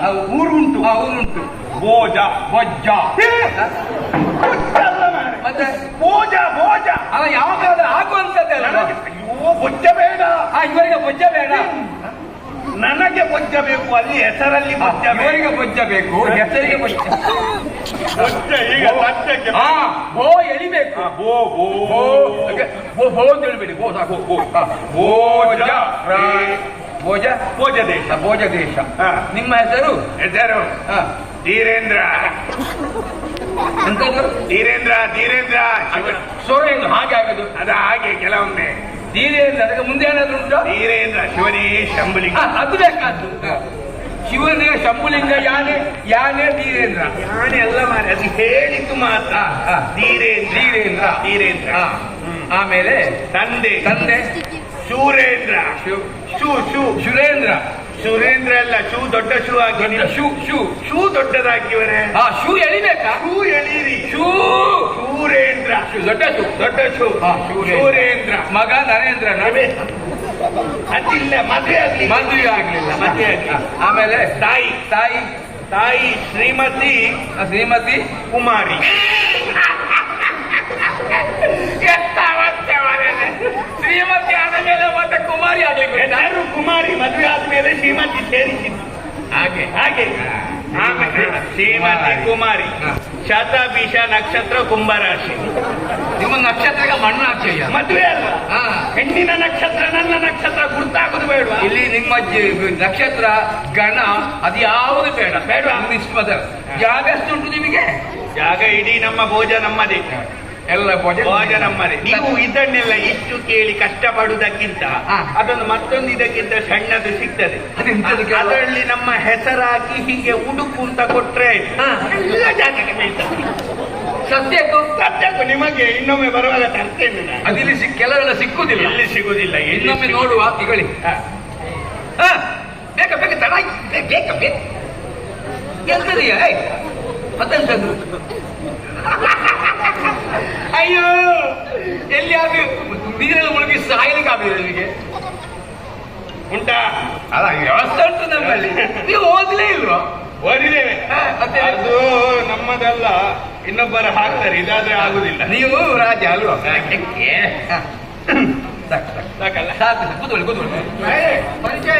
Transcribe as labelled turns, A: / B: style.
A: ಊರುಂಟು.
B: ಊರುಂಟು.
A: ಭೋಜ.
B: ಬೊಜ್ಜ. ಮತ್ತೆ
A: ಭೋಜ ಭೋಜ
B: ಅವ ಯಾವಾಗ ಆಗುವಂತದ್ದೇ ಅಲ್ಲ.
A: ಅಯ್ಯೋ ಬೊಜ್ಜ ಬೇಡ.
B: ಇವರಿಗೆ ಬೊಜ್ಜ ಬೇಡ.
A: ನನಗೆ ಬೊಜ್ಜ ಬೇಕು. ಅಲ್ಲಿ ಹೆಸರಲ್ಲಿ ಬೊಜ್ಜ.
B: ಇವರಿಗೆ ಬೊಜ್ಜ ಬೇಕು, ಹೆಸರಿಗೆ ಬೊಜ್ಜ.
A: ಬೊಜ್ಜ ಈಗ ಸತ್ಯಕ್ಕೆ
B: ಬೋ ಎಳಿಬೇಕು.
A: ಬೋ ಬೋ
B: ಬೋ ಅಂತ ಹೇಳ್ಬೇಡಿ. ಬೋ ಸಾಕು.
A: ಭೋಜ.
B: ಭೋಜ.
A: ಭೋಜ ದೇಶ.
B: ಭೋಜ ದೇಶ. ನಿಮ್ಮ ಹೆಸರು?
A: ಹೆಸರು ಧೀರೇಂದ್ರ.
B: ಎಂತದ್ದು?
A: ಧೀರೇಂದ್ರ. ಧೀರೇಂದ್ರ
B: ಸ್ವರ ಏನು ಹಾಗೆ ಆಗುದು?
A: ಅದ ಹಾಗೆ ಕೆಲವೊಮ್ಮೆ
B: ಧೀರೇಂದ್ರ. ಅದಕ್ಕೆ ಮುಂದೆ ಏನಾದ್ರು ಉಂಟು?
A: ಧೀರೇಂದ್ರ ಶಿವನೇ ಶಂಭುಲಿಂಗ.
B: ಅದು ಬೇಕಾದ್ದು. ಶಿವನೇ ಶಂಭುಲಿಂಗ. ಯಾನೆ ಧೀರೇಂದ್ರ.
A: ಯಾನೆ ಎಲ್ಲ ಮಾರಿ ಅದು ಹೇಳಿದ್ದು ಮಾತ್ರ. ಧೀರೇಂದ್ರ.
B: ಧೀರೇಂದ್ರ.
A: ಧೀರೇಂದ್ರ.
B: ಆಮೇಲೆ
A: ತಂದೆ.
B: ತಂದೆ
A: ಶೂರೇಂದ್ರ.
B: ಶುರೇಂದ್ರ.
A: ಸುರೇಂದ್ರ ಅಲ್ಲ, ಶೂ ದೊಡ್ಡ ಶೂ ಹಾಕಿ. ಶೂ ದೊಡ್ಡದಾಕಿವರೆ.
B: ಶೂ ಎಳಿಬೇಕಾ?
A: ಶೂ ಎಳೀರಿ.
B: ಶೂರೇಂದ್ರ.
A: ದೊಡ್ಡ ಶೂ. ದೊಡ್ಡ ಶೂ. ಶೂರೇಂದ್ರ.
B: ಮಗ ನರೇಂದ್ರ.
A: ಅದಿಲ್ಲ, ಮದುವೆ ಆಗ್ಲಿಲ್ಲ.
B: ಮದುವೆ ಆಗ್ಲಿಲ್ಲ.
A: ಮದುವೆ ಆಗ್ಲಿಲ್ಲ.
B: ಆಮೇಲೆ
A: ತಾಯಿ.
B: ತಾಯಿ.
A: ತಾಯಿ ಶ್ರೀಮತಿ.
B: ಶ್ರೀಮತಿ
A: ಕುಮಾರಿ.
B: ಶ್ರೀಮತಿ ಆದ ಮೇಲೆ ಮತ್ತೆ ಕುಮಾರಿ ಆಗ್ಲಿಕ್ಕೆ
A: ಎಲ್ಲರೂ ಕುಮಾರಿ. ಮದುವೆ ಆದ್ಮೇಲೆ ಶ್ರೀಮತಿ ಸೇರಿಸಿದ್ದು.
B: ಹಾಗೆ
A: ಹಾಗೆ ಶ್ರೀಮತಿ ಕುಮಾರಿ. ಶತಭಿಷ ನಕ್ಷತ್ರ ಕುಂಭರಾಶಿ.
B: ನಿಮ್ಮ ನಕ್ಷತ್ರಕ್ಕೆ ಮಣ್ಣು ಹಾಕ್ತೀಯ.
A: ಮದುವೆ ಅಲ್ಲ, ಹೆಣ್ಣಿನ ನಕ್ಷತ್ರ ನನ್ನ ನಕ್ಷತ್ರ ಗುರ್ತಾಗುದು ಬೇಡ.
B: ಇಲ್ಲಿ ನಿಮ್ಮ ನಕ್ಷತ್ರ ಗಣ ಅದು ಯಾವುದು ಬೇಡ. ಬೇಡ. ಜಾಗ ಎಷ್ಟು ಉಂಟು ನಿಮಗೆ?
A: ಜಾಗ ಇಡೀ ನಮ್ಮ ಭೋಜ ನಮ್ಮದೇ.
B: ಎಲ್ಲ ಭೋಜ
A: ನಮ್ಮದೇ. ನೀವು ಇದನ್ನೆಲ್ಲ ಇಷ್ಟು ಕೇಳಿ ಕಷ್ಟಪಡುವುದಕ್ಕಿಂತ ಅದನ್ನು ಮತ್ತೊಂದು ಇದಕ್ಕಿಂತ ಸಣ್ಣದು ಸಿಗ್ತದೆ. ಅದರಲ್ಲಿ ನಮ್ಮ ಹೆಸರಾಕಿ ಹೀಗೆ ಉಡುಪು ಅಂತ ಕೊಟ್ರೆ ಎಲ್ಲ ಜಾಗಕ್ಕೆ ಬೀಳ್ತದೆ. ಸತ್ಯಕ್ಕೂ ನಿಮಗೆ ಇನ್ನೊಮ್ಮೆ ಬರುವಾಗ ತರ್ತೇನೆ.
B: ಅದಿಲ್ಲಿ ಕೆಲವೆಲ್ಲ ಸಿಕ್ಕುದಿಲ್ಲ.
A: ಇಲ್ಲಿ ಸಿಗುದಿಲ್ಲ.
B: ಇನ್ನೊಮ್ಮೆ ನೋಡುವ. ಈಗಳಿ ಬೇಕ ಬೇಕ ತಡ ಬೇಕ ಬೇಕ ಎಂತದೀಯ ಮತ್ತೆಂತದ್ದು? ಅಯ್ಯೋ ಎಲ್ಲಿ ಆಗಿ ನೀರಲ್ಲಿ ಮುಳುಗಿ ಸಾಯಲಿಕ್ಕೆ ಆಗಿದೆ ನಿಮಗೆ.
A: ಉಂಟಾ?
B: ಅಲ್ಲ ವ್ಯವಸ್ಥೆ ಉಂಟು ನಮ್ಮಲ್ಲಿ. ನೀವು ಓದಲೇ ಇಲ್ವಾ?
A: ಓದಿದ್ದೇವೆ. ಅದು ನಮ್ಮದಲ್ಲ, ಇನ್ನೊಬ್ಬರ ಹಾಕ್ತಾರೆ. ಇದಾದ್ರೆ ಆಗುದಿಲ್ಲ.
B: ನೀವು ರಾಜ ಅಲ್ವಾ? ಸಾಕಲ್ಲ. ಸಾಕು ಕೂತ್ಕೊಳ್ಳಿ. ಪರಿಚಯ